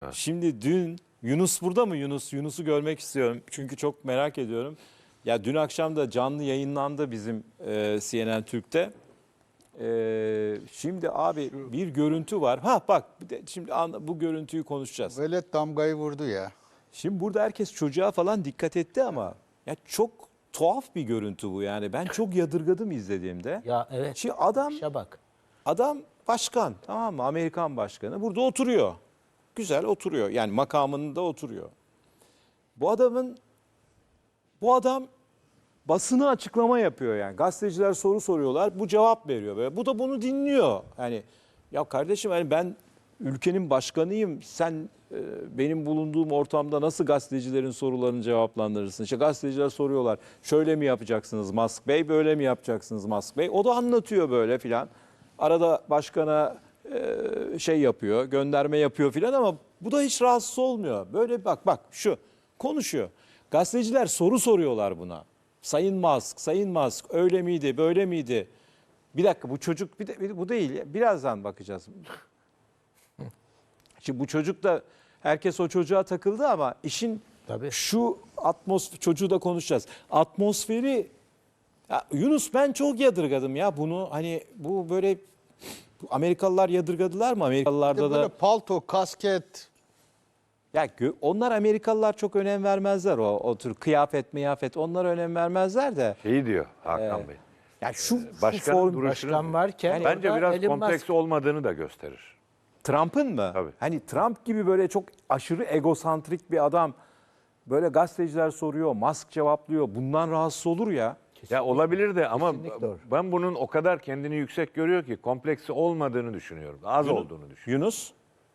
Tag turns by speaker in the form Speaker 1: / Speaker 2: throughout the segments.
Speaker 1: Şimdi dün Yunus burada mı Yunus? Yunus'u görmek istiyorum. Çünkü çok merak ediyorum. Ya dün akşam da canlı yayınlandı bizim CNN Türk'te. Şimdi abi bir görüntü var. Ha bak şimdi bu görüntüyü konuşacağız.
Speaker 2: Velet damgayı vurdu ya.
Speaker 1: Şimdi burada herkes çocuğa falan dikkat etti ama ya çok tuhaf bir görüntü bu yani. Ben çok yadırgadım izlediğimde.
Speaker 3: Ya evet.
Speaker 1: Şimdi
Speaker 3: İşe bak.
Speaker 1: adam başkan, tamam mı? Amerikan başkanı burada oturuyor. Güzel oturuyor. Yani makamında oturuyor. Bu adam basına açıklama yapıyor yani. Gazeteciler soru soruyorlar. Bu cevap veriyor böyle. Bu da bunu dinliyor. Yani ya kardeşim hani ben ülkenin başkanıyım. Sen benim bulunduğum ortamda nasıl gazetecilerin sorularını cevaplandırırsın? İşte gazeteciler soruyorlar. Şöyle mi yapacaksınız Musk Bey? Böyle mi yapacaksınız Musk Bey? O da anlatıyor böyle filan. Arada başkana şey yapıyor, gönderme yapıyor filan ama bu da hiç rahatsız olmuyor. Böyle bak şu konuşuyor. Gazeteciler soru soruyorlar buna. Sayın Musk öyle miydi, böyle miydi? Bir dakika bu çocuk bu değil. Birazdan bakacağız. Şimdi bu çocuk da herkes o çocuğa takıldı ama işin
Speaker 3: Tabii.
Speaker 1: şu çocuğu da konuşacağız. Atmosferi ya Yunus ben çok yadırgadım ya bunu hani bu böyle Amerikalılar yadırgadılar mı? Amerikalılarda
Speaker 2: Böyle
Speaker 1: da
Speaker 2: palto, kasket.
Speaker 1: ya onlar Amerikalılar çok önem vermezler o tür kıyafet onlara önem vermezler de.
Speaker 4: Şeyi diyor Hakan Bey.
Speaker 1: Ya şu
Speaker 4: Başkanın
Speaker 1: form
Speaker 4: duruşunu
Speaker 3: Başkan varken
Speaker 4: bence
Speaker 3: orada
Speaker 4: biraz
Speaker 3: Elon
Speaker 4: kompleks
Speaker 3: Musk.
Speaker 4: olmadığını da gösterir.
Speaker 1: Trump'ın mı?
Speaker 4: Tabii.
Speaker 1: Hani Trump gibi böyle çok aşırı egosantrik bir adam böyle gazeteciler soruyor, Musk cevaplıyor. Bundan rahatsız olur ya.
Speaker 4: Ya olabilir de ama
Speaker 3: Kesinlikle doğru.
Speaker 4: ben bunun o kadar kendini yüksek görüyor ki kompleksi olmadığını düşünüyorum. Az olduğunu düşünüyorum.
Speaker 1: Yunus?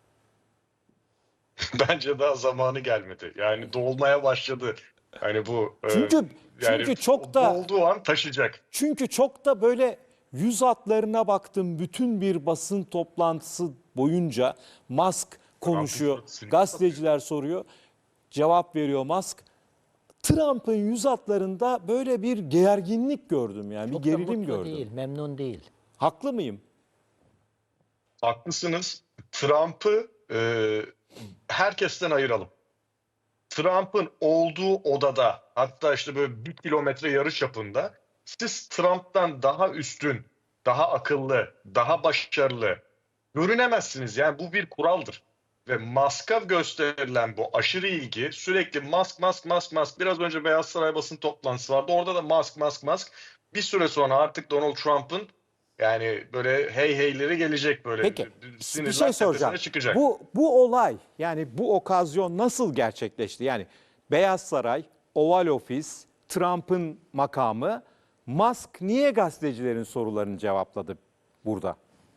Speaker 5: Bence daha zamanı gelmedi. Yani dolmaya başladı. Hani bu
Speaker 1: Çünkü çok da
Speaker 5: dolduğu an taşıyacak.
Speaker 1: Çünkü çok da böyle yüz hatlarına baktım bütün bir basın toplantısı boyunca Musk konuşuyor,
Speaker 5: Trump'ın
Speaker 1: gazeteciler soruyor, cevap veriyor Musk. Trump'ın yüz hatlarında böyle bir gerginlik gördüm yani
Speaker 3: Çok
Speaker 1: bir
Speaker 3: da
Speaker 1: gerilim
Speaker 3: mutlu
Speaker 1: gördüm.
Speaker 3: değil, memnun değil.
Speaker 1: Haklı mıyım?
Speaker 5: Haklısınız. Trump'ı herkesten ayıralım. Trump'ın olduğu odada, hatta işte böyle 1 kilometre yarı çapında, siz Trump'tan daha üstün, daha akıllı, daha başarılı görünemezsiniz. Yani bu bir kuraldır. Ve Musk'a gösterilen bu aşırı ilgi, sürekli Musk. Biraz önce Beyaz Saray basın toplantısı vardı. Orada da Musk. Bir süre sonra artık Donald Trump'ın yani böyle heyleri gelecek, böyle
Speaker 1: Peki
Speaker 5: sinirler
Speaker 1: bir şey soracağım.
Speaker 5: tepesine çıkacak.
Speaker 1: Bu olay yani bu okazyon nasıl gerçekleşti? Yani Beyaz Saray, Oval Ofis, Trump'ın makamı, Musk niye gazetecilerin sorularını cevapladı burada?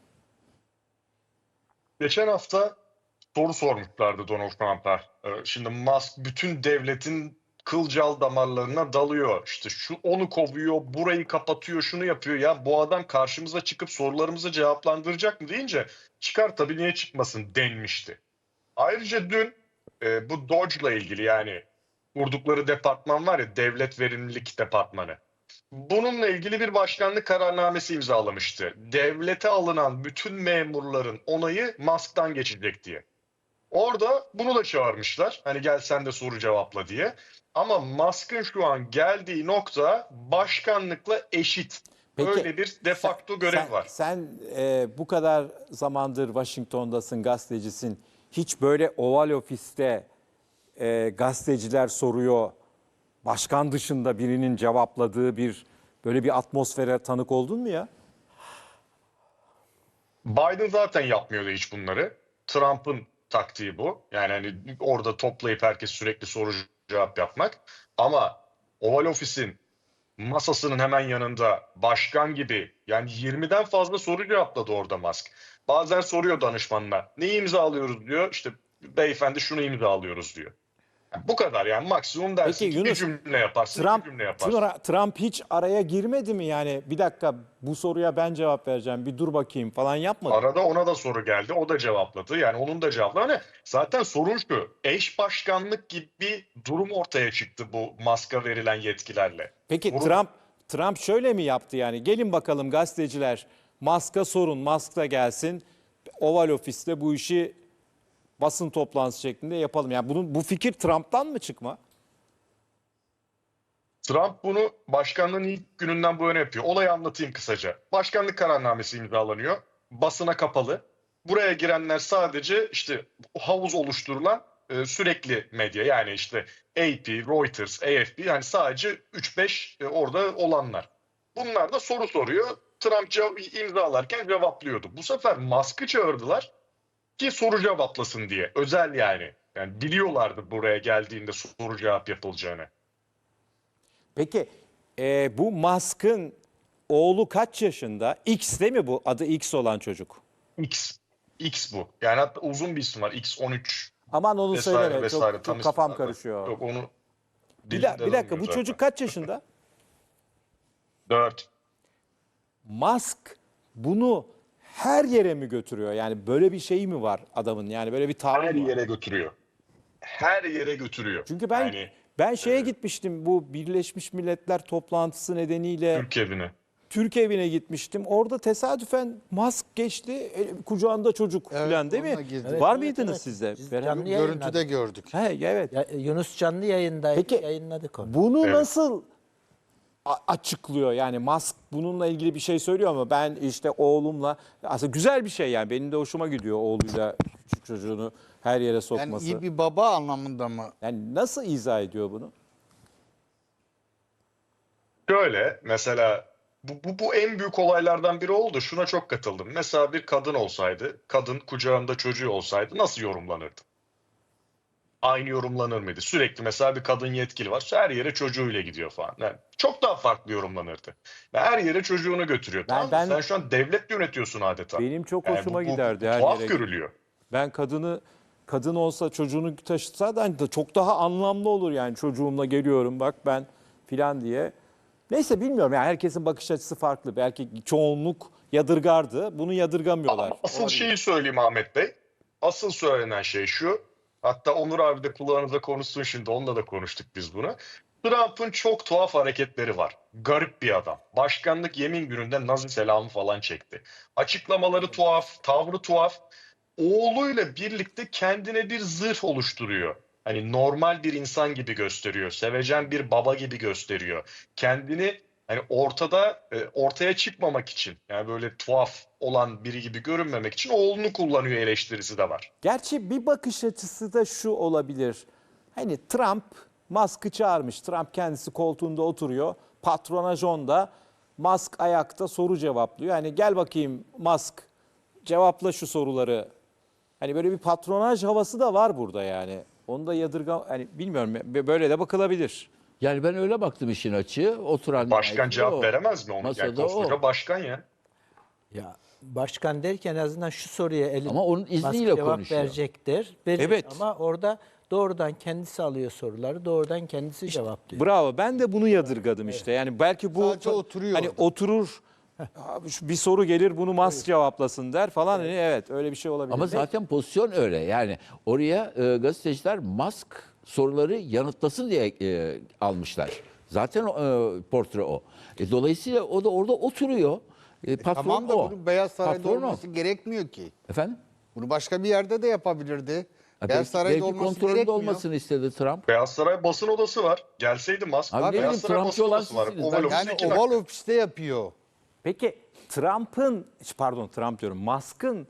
Speaker 5: Geçen hafta soru sormuşlardı Donald Trump'a. Şimdi Musk bütün devletin kılcal damarlarına dalıyor. İşte şu onu kovuyor, burayı kapatıyor, şunu yapıyor. Ya bu adam karşımıza çıkıp sorularımızı cevaplandıracak mı deyince çıkar tabii, niye çıkmasın denmişti. Ayrıca dün bu Doge'la ilgili, yani kurdukları departman var ya, Devlet Verimlilik Departmanı. Bununla ilgili bir başkanlık kararnamesi imzalamıştı. Devlete alınan bütün memurların onayı Musk'tan geçecek diye. Orada bunu da çağırmışlar. Hani gel sen de soru cevapla diye. Ama Musk'ın şu an geldiği nokta başkanlıkla eşit.
Speaker 1: Peki,
Speaker 5: Öyle bir de facto görev var.
Speaker 1: Sen bu kadar zamandır Washington'dasın, gazetecisin. Hiç böyle Oval Ofis'te gazeteciler soruyor, başkan dışında birinin cevapladığı böyle bir atmosfere tanık oldun mu ya?
Speaker 5: Biden zaten yapmıyordu hiç bunları. Trump'ın taktiği bu. Yani hani orada toplayıp herkes sürekli soru cevap yapmak. Ama Oval Ofis'in masasının hemen yanında başkan gibi yani 20'den fazla soru cevapladı orada Musk. Bazen soruyor danışmanına, neyi imzalıyoruz diyor. İşte beyefendi şunu imzalıyoruz diyor. Yani bu kadar, yani maksimum dersin
Speaker 1: Peki
Speaker 5: ki
Speaker 1: Yunus,
Speaker 5: bir cümle yaparsın, iki cümle yaparsın.
Speaker 1: Trump hiç araya girmedi mi yani? Bir dakika bu soruya ben cevap vereceğim, bir dur bakayım falan yapmadı.
Speaker 5: Arada ona da soru geldi. O da cevapladı. Yani onun da cevapladı. Hani zaten sorun şu. Eş başkanlık gibi bir durum ortaya çıktı bu Musk'a verilen yetkilerle.
Speaker 1: Peki
Speaker 5: Sorun-
Speaker 1: Trump şöyle mi yaptı yani? Gelin bakalım gazeteciler Musk'a sorun, Musk da gelsin. Oval Ofis'te bu işi basın toplantısı şeklinde yapalım. Yani bu fikir Trump'tan mı çıkma?
Speaker 5: Trump bunu başkanlığın ilk gününden bu yana yapıyor. Olayı anlatayım kısaca. Başkanlık kararnamesi imzalanıyor. Basına kapalı. Buraya girenler sadece işte havuz oluşturulan sürekli medya. Yani işte AP, Reuters, AFP, yani sadece 3-5 orada olanlar. Bunlar da soru soruyor. Trump imzalarken cevaplıyordu. Bu sefer Musk'ı çağırdılar ki soru cevaplasın diye. Özel yani. Yani biliyorlardı buraya geldiğinde soru cevap yapılacağını.
Speaker 1: Peki bu Musk'ın oğlu kaç yaşında? X değil mi bu? Adı X olan çocuk.
Speaker 5: X. X bu. Yani hatta uzun bir isim var. X13
Speaker 1: Aman onu
Speaker 5: vesaire
Speaker 1: söyleme.
Speaker 5: vesaire.
Speaker 1: Çok
Speaker 5: Tam
Speaker 1: kafam
Speaker 5: isim var da.
Speaker 1: karışıyor.
Speaker 5: Yok onu
Speaker 1: Bir dakika
Speaker 5: dilimde
Speaker 1: bu çocuk kaç yaşında?
Speaker 5: 4.
Speaker 1: Musk bunu her yere mi götürüyor? Yani böyle bir şey mi var adamın? Yani böyle bir tavrı
Speaker 5: Her
Speaker 1: mı var?
Speaker 5: yere götürüyor. Her yere götürüyor.
Speaker 1: Çünkü ben şeye gitmiştim, bu Birleşmiş Milletler toplantısı nedeniyle
Speaker 5: Türk evine.
Speaker 1: Türk evine gitmiştim. Orada tesadüfen Musk geçti, kucağında çocuk
Speaker 2: Evet,
Speaker 1: falan değil mi?
Speaker 2: onunla girdi.
Speaker 1: Var
Speaker 3: Evet,
Speaker 1: mıydınız
Speaker 3: evet.
Speaker 1: siz de?
Speaker 3: Biz
Speaker 1: Beraber-
Speaker 3: canlı
Speaker 2: Görüntüde
Speaker 3: yayınladık.
Speaker 2: gördük.
Speaker 1: He, evet.
Speaker 3: Yunus canlı yayındaydı.
Speaker 1: Peki,
Speaker 3: Yayınladık onu.
Speaker 1: Bunu
Speaker 5: Evet.
Speaker 1: nasıl açıklıyor? Yani Musk bununla ilgili bir şey söylüyor ama ben işte oğlumla, aslında güzel bir şey yani, benim de hoşuma gidiyor oğluyla küçük çocuğunu her yere
Speaker 2: Yani
Speaker 1: sokması.
Speaker 2: iyi bir baba anlamında mı?
Speaker 1: Yani nasıl izah ediyor bunu?
Speaker 5: Şöyle mesela bu en büyük olaylardan biri oldu. Şuna çok katıldım. Mesela bir kadın olsaydı, kadın kucağında çocuğu olsaydı nasıl yorumlanırdı? Aynı yorumlanır mıydı? Sürekli mesela bir kadın yetkili var. Her yere çocuğuyla gidiyor falan. Yani çok daha farklı yorumlanırdı. Ve her yere çocuğunu götürüyor. Tamam mı?
Speaker 1: ben-
Speaker 5: Sen şu an devlet yönetiyorsun adeta.
Speaker 1: Benim çok
Speaker 5: Yani
Speaker 1: hoşuma
Speaker 5: bu
Speaker 1: giderdi her
Speaker 5: tuhaf
Speaker 1: yere.
Speaker 5: görülüyor.
Speaker 1: Ben kadın olsa çocuğunu taşıtsa da hani da çok daha anlamlı olur yani, çocuğumla geliyorum bak ben filan diye. Neyse bilmiyorum yani, herkesin bakış açısı farklı. Belki çoğunluk yadırgardı. Bunu yadırgamıyorlar.
Speaker 5: Ama asıl
Speaker 1: Olabilir.
Speaker 5: şeyi söyleyeyim Ahmet Bey. Asıl söylenen şey şu. Hatta Onur abi de kulağınıza konuşsun şimdi. Onunla da konuştuk biz bunu. Trump'ın çok tuhaf hareketleri var. Garip bir adam. Başkanlık yemin gününde Nazi selamı falan çekti. Açıklamaları tuhaf, tavrı tuhaf. Oğluyla birlikte kendine bir zırh oluşturuyor. Hani normal bir insan gibi gösteriyor. Sevecen bir baba gibi gösteriyor. Kendini hani ortaya çıkmamak için, yani böyle tuhaf olan biri gibi görünmemek için oğlunu kullanıyor eleştirisi de var.
Speaker 1: Gerçi bir bakış açısı da şu olabilir. Hani Trump Musk'ı çağırmış. Trump kendisi koltuğunda oturuyor. Patrona John'da, Musk ayakta soru cevaplıyor. Hani gel bakayım Musk, cevapla şu soruları. Hani böyle bir patronaj havası da var burada yani. Onu da hani bilmiyorum, böyle de bakılabilir.
Speaker 6: Yani ben öyle baktım işin açığı. Oturan
Speaker 5: Başkan
Speaker 6: nihayetinde
Speaker 5: cevap
Speaker 6: o.
Speaker 5: veremez mi ona? Yani
Speaker 6: Masada
Speaker 5: koskoca
Speaker 6: o.
Speaker 5: başkan ya.
Speaker 3: Ya başkan derken en azından şu soruya
Speaker 6: Ama onun izniyle
Speaker 3: Musk cevap
Speaker 6: konuşuyor.
Speaker 3: verecektir. Verecek.
Speaker 1: Evet.
Speaker 3: Ama orada doğrudan kendisi alıyor soruları. Doğrudan kendisi cevaplıyor.
Speaker 1: Bravo. Ben de bunu yadırgadım işte. Yani belki bu
Speaker 2: Sadece oturuyor
Speaker 1: hani
Speaker 2: orada.
Speaker 1: oturur, bir soru gelir bunu Musk cevaplasın der falan. Hani evet, öyle bir şey olabilir.
Speaker 6: Ama zaten pozisyon öyle. Yani oraya gazeteciler Musk soruları yanıtlasın diye almışlar. Zaten portre o. Dolayısıyla o da orada oturuyor. Patron
Speaker 2: Tamam da
Speaker 6: o.
Speaker 2: bunun Beyaz Saray'da
Speaker 6: Patron o.
Speaker 2: olması gerekmiyor ki.
Speaker 6: Efendim?
Speaker 2: Bunu başka bir yerde de yapabilirdi.
Speaker 6: Ha,
Speaker 2: Beyaz Saray'da
Speaker 6: belki
Speaker 2: olması
Speaker 6: kontrolünde
Speaker 2: gerekmiyor.
Speaker 6: olmasını istedi Trump.
Speaker 5: Beyaz Saray basın odası var. Gelseydi Musk.
Speaker 6: Abi ne
Speaker 5: Beyaz
Speaker 6: bileyim,
Speaker 5: Saray
Speaker 6: Trumpçı
Speaker 5: basın
Speaker 6: olan
Speaker 5: odası var.
Speaker 6: sizsiniz.
Speaker 5: Oval
Speaker 6: Ben-
Speaker 5: Ofis
Speaker 2: Yani
Speaker 5: 2 dakika.
Speaker 2: Oval Ofis'te yapıyor.
Speaker 1: Peki Trump diyorum, Musk'ın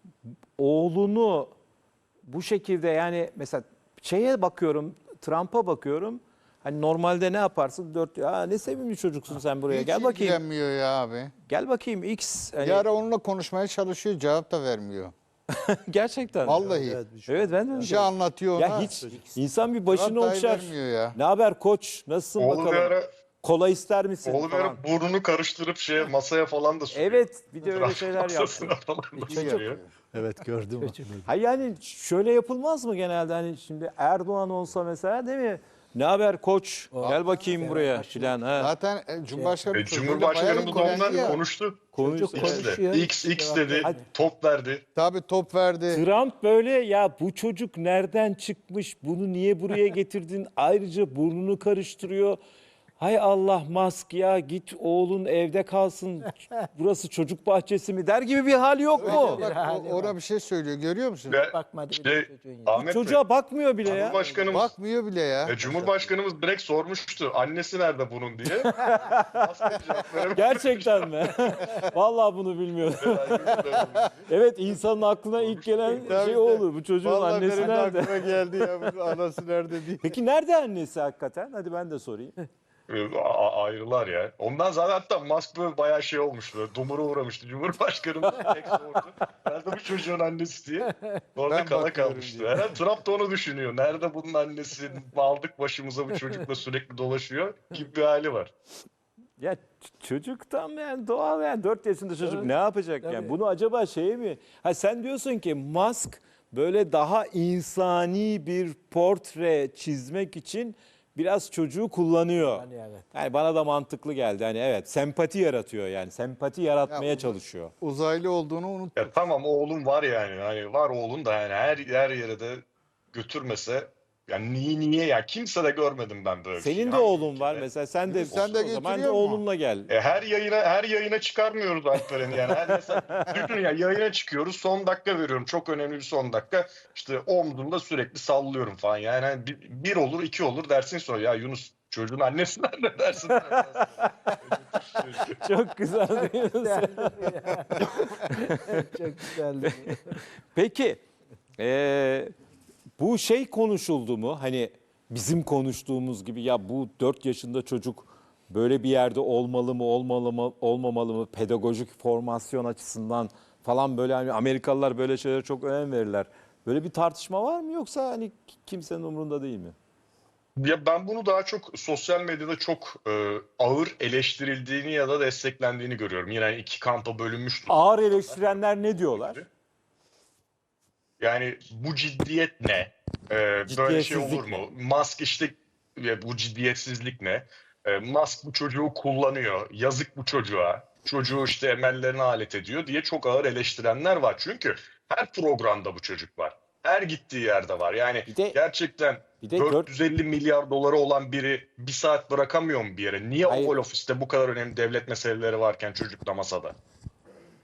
Speaker 1: oğlunu bu şekilde, yani mesela şeye bakıyorum, Trump'a bakıyorum. Hani normalde ne yaparsın? Ne sevimli çocuksun sen buraya.
Speaker 2: Hiç
Speaker 1: Gel bakayım.
Speaker 2: ilgilenmiyor ya abi.
Speaker 1: Gel bakayım X. Hani
Speaker 2: Bir ara onunla konuşmaya çalışıyor, cevap da vermiyor.
Speaker 1: gerçekten.
Speaker 2: Vallahi.
Speaker 1: Evet, ben de
Speaker 2: Bir
Speaker 1: öyle.
Speaker 2: şey anlatıyor ona.
Speaker 1: Ya hiç insan bir başını
Speaker 2: Cevap dahi
Speaker 1: okşar.
Speaker 2: vermiyor ya.
Speaker 1: Ne haber koç? Nasılsın
Speaker 5: Oğlu bir
Speaker 1: bakalım?
Speaker 5: ara,
Speaker 1: Kola ister misin
Speaker 5: oğlu bir
Speaker 1: falan.
Speaker 5: ara burnunu karıştırıp masaya falan da sürüyor.
Speaker 1: Evet, bir de öyle
Speaker 5: Trump
Speaker 1: şeyler yaptı.
Speaker 5: masasına falan da sürüyor.
Speaker 2: Evet gördüm.
Speaker 1: Hayır yani şöyle yapılmaz mı genelde, hani şimdi Erdoğan olsa mesela, değil mi? Ne haber koç? Gel bakayım buraya filan. Ha.
Speaker 2: Zaten Cumhurbaşkanı
Speaker 5: Cumhurbaşkanı bu konuda konuştu.
Speaker 1: Konuştu.
Speaker 5: X de.
Speaker 3: Konuşuyor.
Speaker 5: X dedi.
Speaker 1: Hadi.
Speaker 5: Top verdi.
Speaker 2: Tabii top verdi.
Speaker 1: Trump böyle, ya bu çocuk nereden çıkmış? Bunu niye buraya getirdin? Ayrıca burnunu karıştırıyor. hay Allah Musk ya git oğlun evde kalsın. Burası çocuk bahçesi mi der gibi bir hal yok mu?
Speaker 2: Bak ona bir şey söylüyor, görüyor musun?
Speaker 5: Ve
Speaker 3: Bakmadı
Speaker 5: işte
Speaker 3: bile çocuğun ya.
Speaker 5: Ahmet Bey,
Speaker 1: Çocuğa bakmıyor bile ya.
Speaker 5: Cumhurbaşkanımız,
Speaker 2: Bakmıyor bile ya.
Speaker 5: Cumhurbaşkanımız direkt sormuştu. Annesi nerede bunun diye. Aslında cevap verememiş.
Speaker 1: Gerçekten mi? Vallahi bunu bilmiyordum. Evet, insanın aklına ilk gelen
Speaker 2: Tabii
Speaker 1: şey
Speaker 2: de.
Speaker 1: o olur. Bu çocuğun
Speaker 2: Vallahi
Speaker 1: annesi
Speaker 2: benim de
Speaker 1: nerede?
Speaker 2: aklıma geldi ya, bu anası nerede diye.
Speaker 1: Peki nerede annesi hakikaten? Hadi ben de sorayım.
Speaker 5: Ayrılar ya. Ondan zaten hatta Musk böyle bayağı şey olmuştu. Dumura uğramıştı. Cumhurbaşkanımız direkt sordu. Nerede bu çocuğun annesi diye. Orada
Speaker 2: Ben
Speaker 5: kala
Speaker 2: bakıyorum
Speaker 5: kalmıştı.
Speaker 2: diyor.
Speaker 5: Herhalde Trump da onu düşünüyor. Nerede bunun annesi? Aldık başımıza, bu çocukla sürekli dolaşıyor gibi bir hali var.
Speaker 1: Ya çocuk tam yani doğal, yani 4 yaşında çocuk ne yapacak yani? Bunu acaba şey mi? Ha, sen diyorsun ki Musk böyle daha insani bir portre çizmek için biraz çocuğu kullanıyor.
Speaker 3: Yani evet.
Speaker 1: Yani bana da mantıklı geldi. Hani evet, sempati yaratıyor yani. Sempati yaratmaya çalışıyor.
Speaker 2: Uzaylı olduğunu unut.
Speaker 5: Ya tamam, oğlum var yani. Hani var oğlun da yani her yere de götürmese, yani niye ya? Kimse de görmedim ben böyle bir şey.
Speaker 1: Senin de
Speaker 5: Hangi
Speaker 1: oğlun var
Speaker 5: ülkede?
Speaker 1: mesela, sen de
Speaker 2: Sen de
Speaker 1: o zaman
Speaker 2: götürüyor mu?
Speaker 1: oğlunla gel.
Speaker 5: Her yayına çıkarmıyoruz Alperen'i yani. Mesela düşün ya, yayına çıkıyoruz, son dakika veriyorum. Çok önemli bir son dakika. İşte omzumda sürekli sallıyorum falan. Yani hani bir olur, iki olur dersin, sonra ya Yunus çocuğun annesi nerede dersin.
Speaker 1: Çok güzel değil mi?
Speaker 3: Çok güzeldi.
Speaker 1: Peki bu şey konuşuldu mu? Hani bizim konuştuğumuz gibi, ya bu 4 yaşında çocuk böyle bir yerde olmalı mı, olmamalı mı, pedagojik formasyon açısından falan, böyle hani Amerikalılar böyle şeylere çok önem verirler. Böyle bir tartışma var mı, yoksa hani kimsenin umurunda değil mi?
Speaker 5: Ya ben bunu daha çok sosyal medyada çok ağır eleştirildiğini ya da desteklendiğini görüyorum. Yine iki kampa bölünmüş.
Speaker 1: Ağır eleştirenler ne diyorlar?
Speaker 5: Yani bu ciddiyet ne? Böyle şey olur
Speaker 1: Ciddiyetsizlik
Speaker 5: mu? Musk işte, bu ciddiyetsizlik ne? Musk bu çocuğu kullanıyor. Yazık bu çocuğa. Çocuğu işte emellerine alet ediyor diye çok ağır eleştirenler var. Çünkü her programda bu çocuk var. Her gittiği yerde var. Yani
Speaker 1: Bir de-
Speaker 5: gerçekten
Speaker 1: bir de
Speaker 5: 450 milyar doları olan biri bir saat bırakamıyor mu bir yere? Niye
Speaker 1: Hayır.
Speaker 5: Oval Office'te bu kadar önemli devlet meseleleri varken çocukla masada?